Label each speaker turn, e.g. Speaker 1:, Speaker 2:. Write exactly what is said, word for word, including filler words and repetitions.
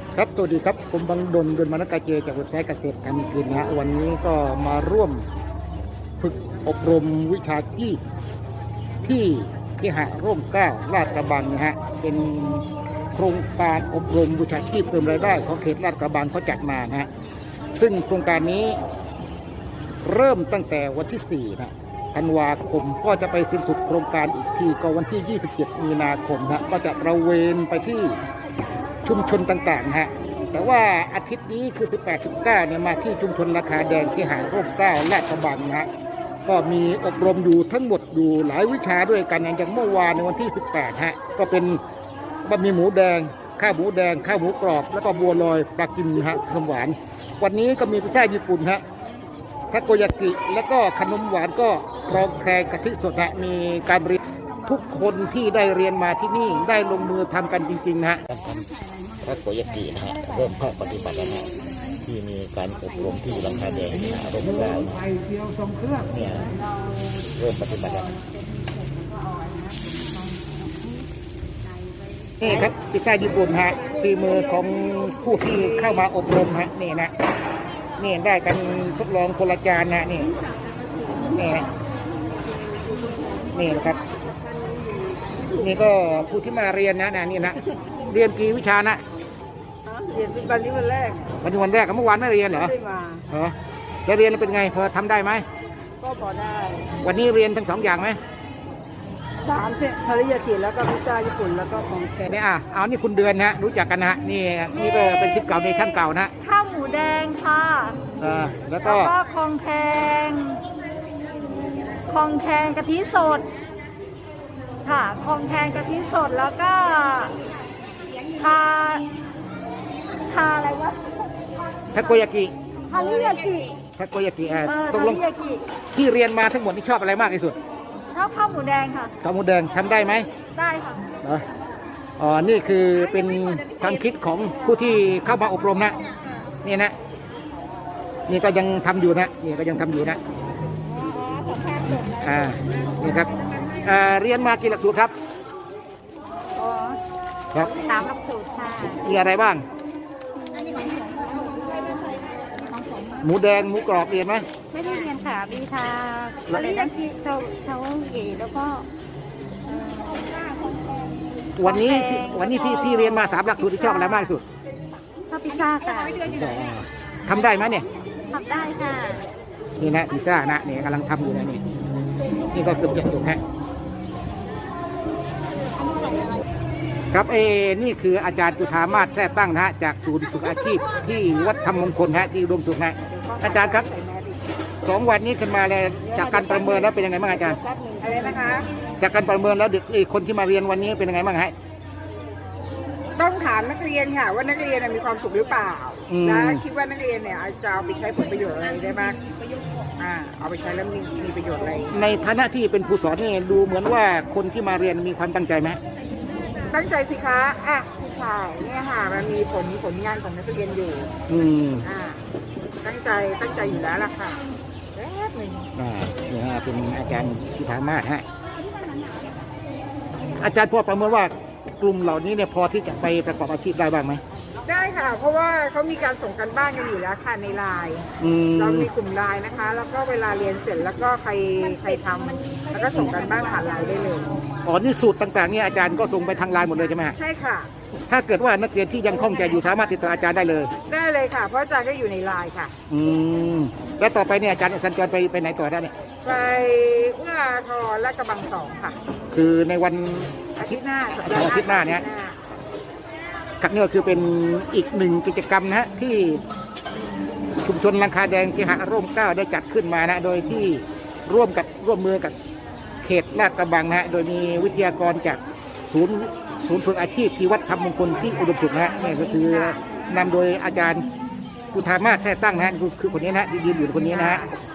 Speaker 1: ครับสวัสดีครับผมบังดลดลมานกาเจจากเว็บไซต์เกษตรการกินนะฮะวันนี้ก็มาร่วมฝึกอบรมวิชาชีพที่ที่หะร่มเกล้าลาดกระบังนะฮะเป็นโครงการอบรมวิชาชีพเสริมรายได้ของเขตลาดกระบังเขาจัดมานะฮะซึ่งโครงการนี้เริ่มตั้งแต่วันที่สี่นะธันวาคมก็จะไปสิ้นสุดโครงการอีกทีก็วันที่ยี่สิบเจ็ดมีนาคมนะก็จะตระเวนไปที่ชุมชนต่างๆฮะแต่ว่าอาทิตย์นี้คือ สิบแปด สิบเก้า เนี่ยมาที่ชุมชนราคาแดงที่หาดร่มเกล้าลาดกระบังนะฮะก็มีอบรมอยู่ทั้งหมดอยู่หลายวิชาด้วยกันอย่างเมื่อวานในวันที่ สิบแปด ฮะก็เป็นบะหมี่หมูแดงข้าวหมูแดงข้าวหมูกรอบแล้วก็บัวลอยปลากิมฮะขนมหวานวันนี้ก็มีพิซซ่าญี่ปุ่นฮะทาโกยากิแล้วก็ขนมหวานก็รองแคร์กะทิสดฮะมีการเรียนทุกคนที่ได้เรียนมาที่นี่ได้ลงมือทำกันจริงๆนะฮะทาโกยากินะฮะเริ่มภาคปฏิบัติแล้วนะที่มีการอบรมที่ราคาแดงนะร่มเกล้าเนี่ยเริ่มปฏิบัติแล้วนี่ครับพิซซ่าญี่ปุ่นฮะฝีมือของผู้ที่เข้ามาอบรมฮะนี่นะนี่ได้กันทดลองคนละจานนะนี่นี่นะนี่นะครับนี่ก็ผู้ที่มาเรียนนะนะนี่นะเรียนกี่วิชานะ
Speaker 2: เรียนเป็นวันนี้วันแรก
Speaker 1: วันนี้วันแรกกับเมื่อวานไม่เรียนเหรอ
Speaker 2: ไม่ได้มา
Speaker 1: เหรอแล้วเรียนเป็นไงพอทำได้ไหม
Speaker 2: ก็พอได้
Speaker 1: วันนี้เรียนทั้งสองอย่างไหม
Speaker 2: สามเซตทาริยากิแล้วก็พิซซ่าญี่ปุ่นแล้วก็ของแก
Speaker 1: นี่อ่ะเอานี่คุณเดือนนะรู้จักกันนะนี่นี่ก็เป็นศิษย์เก่าในชั้นเก่านะ
Speaker 3: ข้าวหมูแดงค่ะ
Speaker 1: เออแล้วก็
Speaker 3: คองแคงคองแคงกะทิสดค่ะคองแคงกะทิสดแล้วก็ทาทาอะไรวะ
Speaker 1: ทาโกยากิ
Speaker 3: ทาริยากิ
Speaker 1: ทาโกยากิอ่ะ
Speaker 3: ตกลง
Speaker 1: ที่เรียนมาทั้งหมดนี่ชอบอะไรมากที่สุด
Speaker 3: ชอบข้าวหมูแดงค่ะ
Speaker 1: ข้าวหมูแดงทำได้ไหม
Speaker 3: ได้ค่ะ
Speaker 1: เหรออ๋อนี่คือเป็นความคิดของผู้ที่เข้ามาอบรมนะนี่นะนี่ก็ยังทำอยู่นะนี่ก็ยังทำอยู่นะอ่านี่ครับอ่าเรียนมากี่หลักสูตรครับ
Speaker 3: อ๋อ
Speaker 1: ครับ
Speaker 3: สามหลักสูตรค่ะ
Speaker 1: มีอะไรบ้างหมูแดงหมูกรอบเรียนไหม
Speaker 3: ไม่ได้เรียนค่ะมีทาอะไรนะที่เท่าเท่าเอ๋แล้วก็
Speaker 1: วันนี้วันนี้ที่ที่เรียนมาสามหลักสูตรที่ชอบอะไรมากที่สุด
Speaker 3: ชอบพิซซ่าค่ะ
Speaker 1: ทำได้ไหมเนี่ย
Speaker 3: ทำได้ค่ะ
Speaker 1: นี่นะพิซซ่านะเนี่ยกำลังทำอยู่นะนี่นี่ก็เกือบจะจบฮะครับเอนี่คืออาจารย์จุฑามาศแท้ตั้งนะฮะจากศูนย์ฝึกอาชีพที่วัดธรรมมงคลฮะที่อุดมสุขนะอาจารย์ครับสองวันนี้ขึ้นมาเลยจากการประเมินแล้วเป็นยังไงบ้างอาจารย์
Speaker 2: อะไรนะคะ
Speaker 1: จากการประเมินแล้วเด็กคนที่มาเรียนวันนี้เป็นยังไงบ้างฮะ
Speaker 2: ต้องถามนักเรียนค่ะว่านักเรียนมีความสุขหรือเปล่าและคิดว่านักเรียนเนี่ยจะเอาไปใช้ผลประโยชน์อะไรได้บ้างอ่าเอาไปใช้แล้วมีมีประโยชน์อะไร
Speaker 1: ในฐานะที่เป็นผู้สอนนี่ดูเหมือนว่าคนที่มาเรียนมีความตั้งใจไหม
Speaker 2: ตั้งใจสิคะอ่ะผู้ชายเนี่ยค่ะมันมีผลผลงานของนักเรียนอยู่
Speaker 1: อืม
Speaker 2: อ่าตั้งใจตั้งใจอยู่แล้วล่ะค่ะแป๊บนึง
Speaker 1: อ่านี่ฮะเป็นอาจารย์จุฑามาศฮะอาจารย์พอประเมินว่ากลุ่มเหล่านี้เนี่ยพอที่จะไปประกอบอาชีพได้บ้างไหม
Speaker 2: ได้ค่ะเพราะว่าเขามีการส่งกันบ้านกันอยู่แล้วค่ะในไลน์เรามีกลุ่มไลน์นะคะแล้วก็เวลาเรียนเสร็จแล้วก็ใครใครทำแล้วก็ส่งกันบ้านผ่านไลน์ได้เลย
Speaker 1: อ๋อนี่สูตรต่างๆเนี่ยอาจารย์ก็ส่งไปทางไลน์หมดเลยใช่ไหม
Speaker 2: ใช่ค่ะ
Speaker 1: ถ้าเกิดว่านักเรียนที่ยังคล่องใจอยู่สามารถติดต่ออาจารย์ได้เลย
Speaker 2: ได้เลยค่ะเพราะอาจารย์ก็อยู่ในไลน์ค่ะ
Speaker 1: อืมแล้วต่อไปเนี่ยอาจารย์สัญจรไปไปไหนต่อได้เนี่ย
Speaker 2: ไปเอื้ออาทรและกระบังสองค่ะ
Speaker 1: คือในวัน
Speaker 2: อาทิตย์หน้า
Speaker 1: อาทิตย์หน้าเนี่ยครับนี่ก็คือเป็นอีกหนึ่งกิจกรรมนะฮะที่ชุมชนราคาแดงที่หาดร่มเกล้าได้จัดขึ้นมานะโดยที่ร่วมกับร่วมมือกับเขตลาดกระบังนะฮะโดยมีวิทยากรจากศูนย์ศูนย์ฝึกอาชีพที่วัดธรรมมงคลที่อุดมสุขนะฮะนี่ก็คือนำโดยอาจารย์จุฑามาศแท้ตั้งนะฮะคือคนนี้นะฮะยืนอยู่คนนี้นะฮะ